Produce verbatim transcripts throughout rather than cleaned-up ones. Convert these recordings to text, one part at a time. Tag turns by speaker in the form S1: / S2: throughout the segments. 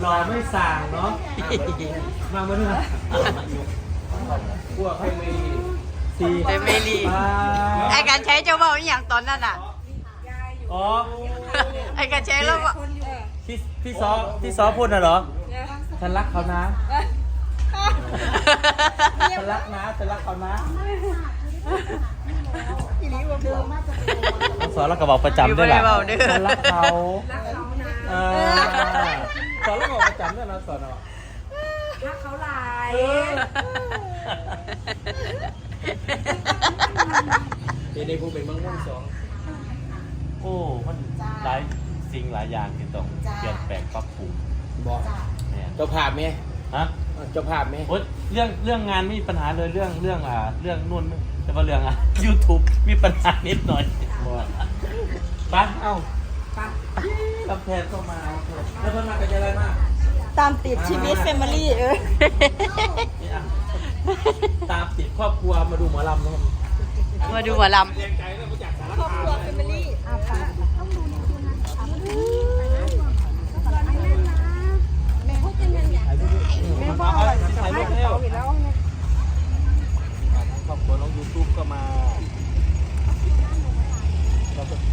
S1: รอไม่สั่งเนาะมาเมื่อไหร่พวกให้มีสี่
S2: เดเมลีไอการใช้เจ้าบ่าวอย่างตอนนั้นอ่ะ
S1: อ๋อ
S2: ไอการใช้แล้ว
S1: ที่ที่ซอที่ซอพูดน่ะเหรอฉันรักเขานะฉันรักนะฉันรักเขานะสอนแล้วก็บอกประจำด้วยแหละฉันรักเขาเออสอนแล้วก็บอกประจำด้วยนะสอนอ่ะ
S3: รักเขาหลาย
S1: เดี๋ยวได้พูดเป็นบางม่วงสองโอ้มันหลายสิ่งหลายอย่างที่ต้องเปลี่ยนแปลงปรับปรุงบอกเจ้าภาพไหมฮะเจ้าภาพไหมโอ้ยเรื่องเรื่องงานไม่มีปัญหาเลยเรื่องเรื่องอ่าเรื่องนู่นแต่ว่าเรื่องอ่ะ YouTube มีปัญหานิดหน่อยไปเอ้าไปกำแพงเข้ามาแล้วเพิ่มมากันจะอะไรมาก
S2: ตามติดชีวิตแฟมิลี่เออ
S1: ตามติดครอบครัวมาดูหมอลำนะ
S2: มาดูหมอลำ
S3: ครอบครัวแฟมิลี่อ่ะป้าต้องดูในคืนนั้นแม่พูดยังไงเนี่ยแม่พ่อถ่ายรูปแล้ว
S1: ครอบครัวน้องยูทูบก็มาเราก็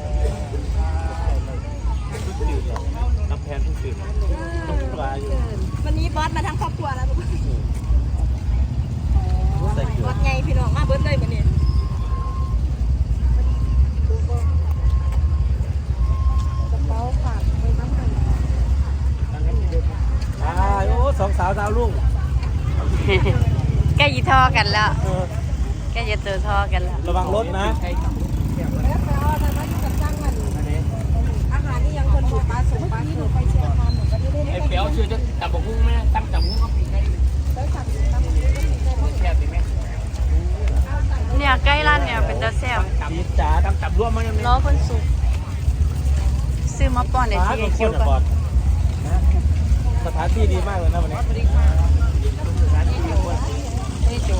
S1: ทุกตื่นน้ำแพนทุกตื่นต้องปลาอยู่
S3: วันนี้บอสมาทั้งครอบครัวแล้วทุกคนบอสไงพี่น้องมาเบิ้ลเลยวันนี้กระเป๋าฝากไปน้ำมัน
S1: อ่าโอ้สองสาวดาวรุ่ง
S2: ใกล้ยีท่อกันแล้วใกล้จะเจอท่อกันแล้ว
S1: ระวังรถนะ
S3: แล้วแต่ว่าตอนนั้นจะจ้างมันอาหารนี่ยังคนบอกปลาสุกปลาที่หนูไปเชียร์ทานหนูก็ไม่ได้ไอ้
S1: เปียวชื่อจะจับบุ้งไหมตั้งจับบุ้งก็ปีกได้
S3: แล้วจับจับบุ้งก็ปีกได้
S1: แซ่บดีไหม
S2: เนี่ยใกล้ร้านเนี่ยเป็นตาแซ่บ
S1: จีจ๋าตั้งจับร่วมมั้ย
S2: ล้อคนสุกซื้อมาป้อนในที่ไอคิวก่อน
S1: สถานที่ดีมากเลยนะวันนี้
S2: นี่โจ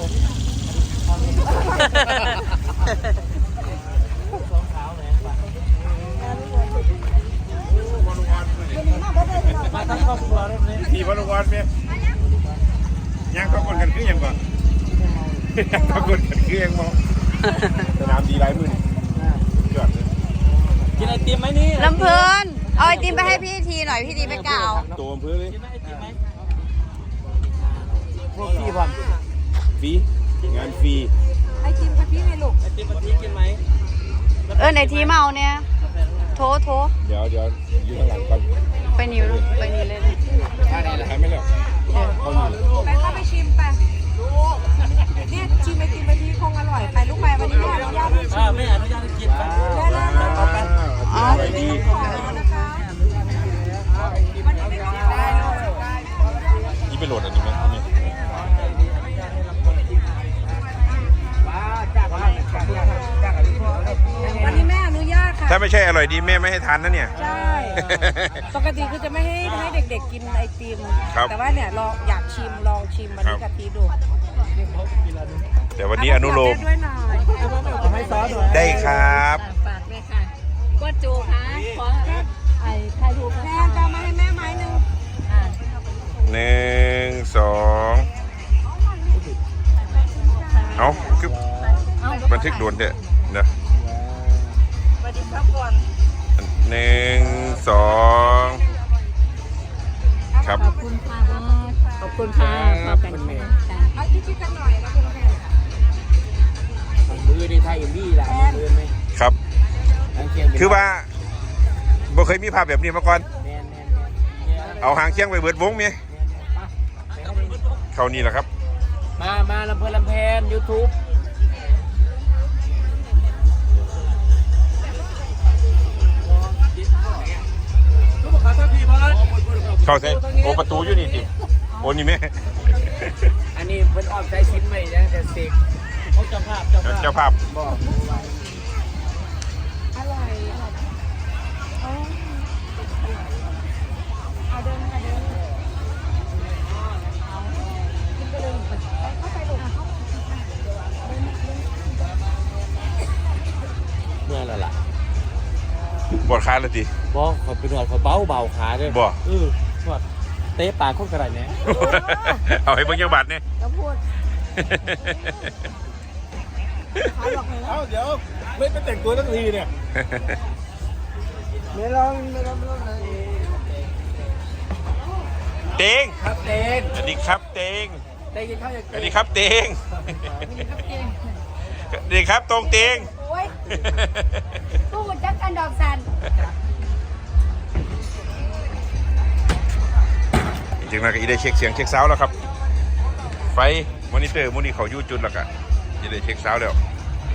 S1: มาทั้งครอบครัวรถนี้
S4: สี่วันวันเมียยังก็คนกันคือยังก่อนยังก็คนกันคือยังมองสนามดีไรมือนี่ยอดเลย
S1: กินไอติมไหมนี่
S2: ลำเพลินเอาไอติมไปให้พี่ทีหน่อยพี่ทีไม่กล่าว
S4: ตัวอำเภอเลย
S1: กินไอติมไหมพวกพี่บอล
S4: ฟรีงานฟรี
S3: ไอติมกะทิไงลูก
S1: ไอติมกะทิกินไหม
S2: เออในทีเมาเนี่ยโทรโทร
S4: เดี๋ยวเดี๋ยวยืนข้างหลังก่อน
S2: ไปนิ้วไปนิ้วเลยนะ
S4: ท่าไหนล่ะไม่แล้วเขาอยู่
S3: ไปเข้าไปชิมไปเนี่ยชิมไอติมกะทิคงอร่อยไปลูกไปวันนี้อนุญาตให้ชิม
S1: ไม่อนุญาตให้กินไป
S3: ได้แล้ว
S4: อ๋อดี
S3: นะคะวันนี้ไม่ต้องได้
S4: นี่ไปโหลดอันนี้ไหมนี่
S3: วันนี้แม่อนุญาตค่ะ
S4: ถ้าไม่ใช่อร่อยดีแม่ไม่ให้ทานนะเนี่ย
S3: ใช่ปกติคือจะไม่ให้ให้เด็กๆกินไอติมแต่ว่าเนี่ยลองอยากชิมลองชิมวันนี้กะทิดู
S4: แต่วันนี้อนุโลม
S1: ให้ซอสด้วย
S4: ได้ครับ
S2: ฝากด้วยค่ะก็จูค่ะขอไอ้ใครถูก
S3: แม่จะมาให้แม่ไม้หนึ่ง
S4: หนึ่งสองเอาคือบันทึกด่วนเถอะนะ
S3: สวัสดีครับก่อน
S4: หนึ่งสองครับ
S2: ขอบคุณค่ะขอบคุณค่ะขอบคุณค่ะ
S3: เอาชิคกันหน่อยนะคุณแม่
S1: มือในไทยอย่างนี้แหละมือไหม
S4: ครับคือว่าบ่เคยมีภาพแบบนี้มาก่อนเอาหางเคียงไปเบิดวงมั้ยเขานี่แหละครับ
S1: มามาลำเพลินลำแพน YouTube
S4: เข้าใช่โอประตูอยู่นี่สิโอ้นี่แม่
S1: อันนี้เพิ่นออกใจชิ้นใหม่นะแต่เสกเขาเจ้าภาพ
S4: เจ้าภาพ
S1: บอก
S3: อร่อยเอาเดินมาเดินกินไปเลยเข้าไปลูก
S1: เมื่อไรล่ะ
S4: ปวดขาเลยที
S1: บอกเขาเป็นหนวดเขาเบาเบาขาด้วย
S4: บอก
S1: เออหนวดเตะปากคนกระไรเนี่ย
S4: เอาให้เบิ่งจังบาทเนี่ย
S3: แล้วพูดขายหลอกเลยนะ
S5: เอ้าเดี๋ยวไม่ไปแต่งตัวทั้งทีเนี่ย
S3: ไม่ลองไม่ลองไม่ลองเลย
S4: เตง
S5: ครับเต้น
S4: สวัสดีครับเตง
S5: เต้นกินข้าวยัง
S4: สวัสดีครับเตงสวัสดีครับตรงเตง
S3: โอ้ยตู้จักกันดอกสัน
S4: จริงๆแล้วก็อีได้เช็คเสียงเช็คซาวด์แล้วครับไฟมอนิเตอร์มูนี่เขาอยู่จุดแล้วก็อีได้เช็คซาวด์แล้ว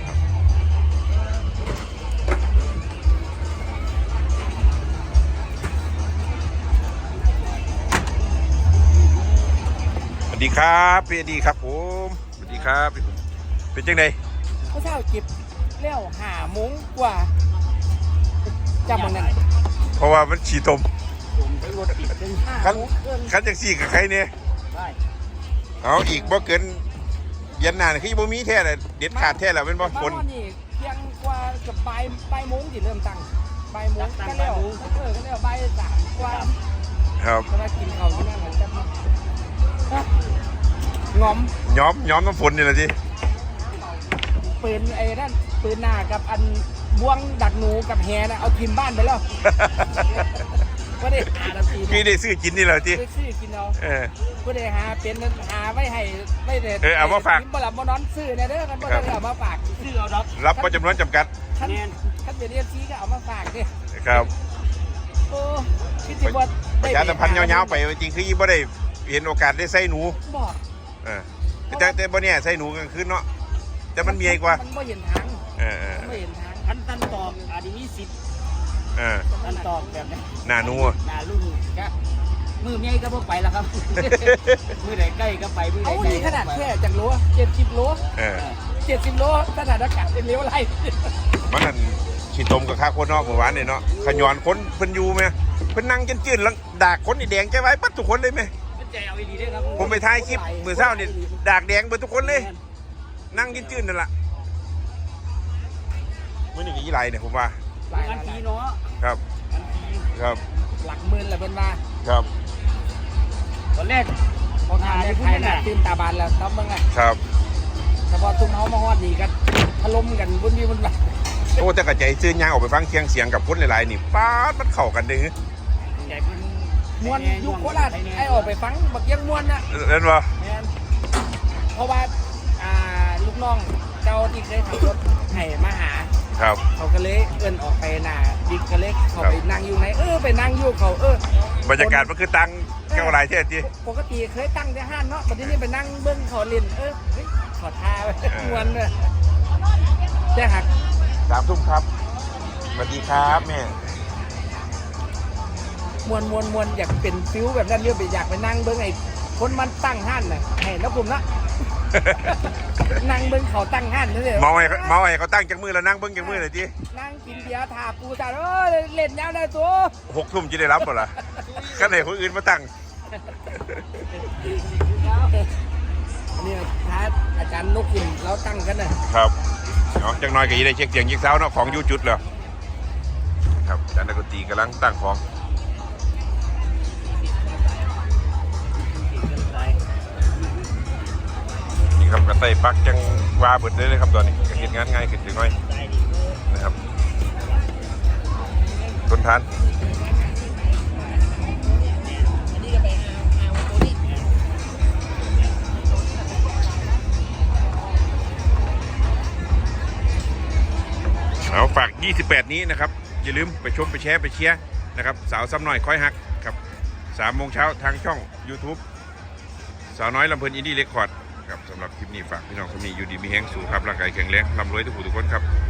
S4: สวัสดีครับพี่อดีครับผมสวัสดีครับเป็นจังได
S5: ข้าวเช้าจิบเลี้ยวหาโมงกว่าจำมันนั่น
S4: เพราะว่ามันฉี่ตม
S5: ผมไปรถติดเป็นห้า
S4: คัน
S5: โมงเกิน
S4: คันจังสี่กับใครเนี่ย
S5: ได้
S4: เอาอีกบ่เกินเย็นหน้านี่คือบ่มีแท้เลยเด็ดขาดแท้แล้วเป็นบ่ฝน
S5: มานี่เพียงกว่ากับบ่ายบ่ายโมงที่เริ่มตั้งบ่ายโมงก็แล้วเออก็แล้วบ่ายสามกว่า
S4: ครับ
S5: จะมากินข้าวที่นั่นเหมือนกันงอม
S4: ย้อมย้อมน้ำฝนนี่แหละที
S5: ปืนไอ้นั่นปืนหน้ากับอันบ่วงดักหนูกับแฮนะเอาทีมบ้านไปแล้วก็ได้หาดับที
S4: พี่ได้ซื้อกินนี่แหละที
S5: ไปซื้อกินเอา
S4: เออ
S5: ก็ได้หาเป็นหาไว้ให้ไม่ได้
S4: เออเอามาฝาก
S5: ทีบ่หลับบ่นอนซื้อเนี่ยเด้อกันบ่ได้เอามาฝากซื้อเอาดอก
S4: รับประจำนวนจำกัด
S5: ขั้นขั้นเป็นเรียนชี้ก็เอามาฝากดิ
S4: ครับ
S5: โอ้คิดสิบ่
S4: ประชาสัมพันธ์ยาวๆไปจริงๆคือยี่บ่ได้เห็นโอกาสได้ใส่หนู
S5: บอก
S4: เออแต่แต่บ่เนี่ยใส่หนูกลางคืนเนาะแต่มันมีไอ้กว่า
S5: มันบ่เห็นทาง
S4: เออเออ
S5: มันบ่เห็นทางขั้นตันตอกอาจจะมีสิทธิ์
S4: เออ
S5: ตันตอกแบบนี้
S4: หน้าหนู
S5: หน้าลุงก็มือใหญ่ก็บ่ไปแล้วครับ มือไหนใกล้ก็ไปมือไหน
S3: เอา
S5: ไกล
S3: ดีขนาด
S5: ก็ไป
S3: แค่จากโลเจ็ดสิบโล
S4: เออ
S5: เจ็ดสิบโลสถานการณ์เป็นเลี้ยวไร
S4: มันนั่นขี้ตมกับข้าคนเนาะเมื่อวานนี่เนาะขย้อนคนเพิ่นอยู่ไหมเพิ่นนั่งจืดๆแล้วดากคนนี่แดงใจไว้ปัดทุกคนเลยไหม
S5: มันใจเอาดีด้วยครับ
S4: ผมไปถ่ายคลิปมื้อเช้านี่ดากแดงเบิดทุกคนเลย นั่งจืดๆนั่นล่ะมื้อนี้ก็ยี่ไรเนี่ยผมว่า
S5: หลายนาทีเนาะ
S4: ครับ
S5: นาที
S4: ครับ
S5: หลักหมื่นแหละเพิ่นมา
S4: ครับ
S5: ตอนแรกพอทานได้พูดขนาดตื่นตาบานแล้วครับมึงไง
S4: ครับ
S5: แต่พอตุ้มเฮามาฮอดนี่กันถล่มกันบนนี้บนแบบ
S4: โอ้แต่กระใจซื้อยางออกไปฟังเคียงเสียงกับคนหลายๆนี่ป๊าดมันเข้ากันเด้อ
S5: ใหญ่เป็นมวนยุคโคราชไอ้ออกไปฟังบักยังมวนนะ
S4: เล่นบ่
S5: แม่นเพราะว่าอ่าลูกน้องเจ้าที่เคยขับรถให้มาหา
S4: ครับ
S5: เขาก็เลยเอิ้นออกไปหน้าบิ๊กก็เลยเขาไปนั่งอยู่ไหนเออไปนั่งอยู่เขาเออบ
S4: รรยากาศมันคือตังแก้วหลายเท่าที
S5: ปกติเคยตั้งที่ห้านเนาะบัดนี้ไปนั่งเบิ้งเขาเล่นเออเฮ้ยขอทาไปมวนเลยแต่หัก
S4: สามทุ่มครับสวัสดีครับแม่
S5: มวนมวนมวนอยากเป็นฟิวแบบนั้นเรื่อยไปอยากไปนั่งเบิ้งไอ้คนมันตั้งห้านน่ะให้แล้วผมนะนั่งเบิ้งเขาตั้งห้านนั่นเลย
S4: เมาไอ้เมาไอ้เขาตั้งจากมือแล้วนั่งเบิ้งจากมือเลยที
S5: นั่งกินเบียร์ถาปูตาเออเล่นยาวได้ตัว
S4: หกทุ่มจะได้รับบ่ล่ะขั้นไหนคนอื่นมาตั้ง
S5: นี่ท้าอาจารย์นกกินเราตั้งกันนะครับ
S4: เนาะจังน้อยก็ยีได้เช็คเสียงยิงเช้าเนาะของอยู่จุดแล้วครับอาจารย์นักดนตรีกำลังตั้งของนี่ครับกระไตปักจังวาเบิดเลยเลยครับตอนนี้ก็เห็นงานง่ายขึ้นจังน้อยนะครับทนทานเอาฝากยี่สิบแปดนี้นะครับอย่าลืมไปชมไปแชร์ไปเชียร์นะครับสาวซ้ำหน่อยคอยฮักครับสามโมงเช้าทางช่อง YouTube สาวน้อยลำเพลินอินดี้เรคคอร์ดครับสำหรับคลิปนี้ฝากพี่น้องคนนี้อยู่ดีมีแห้งสูงครับร่างกายแข็งแรงร่ำรวยทุกผู้ทุกคนครับ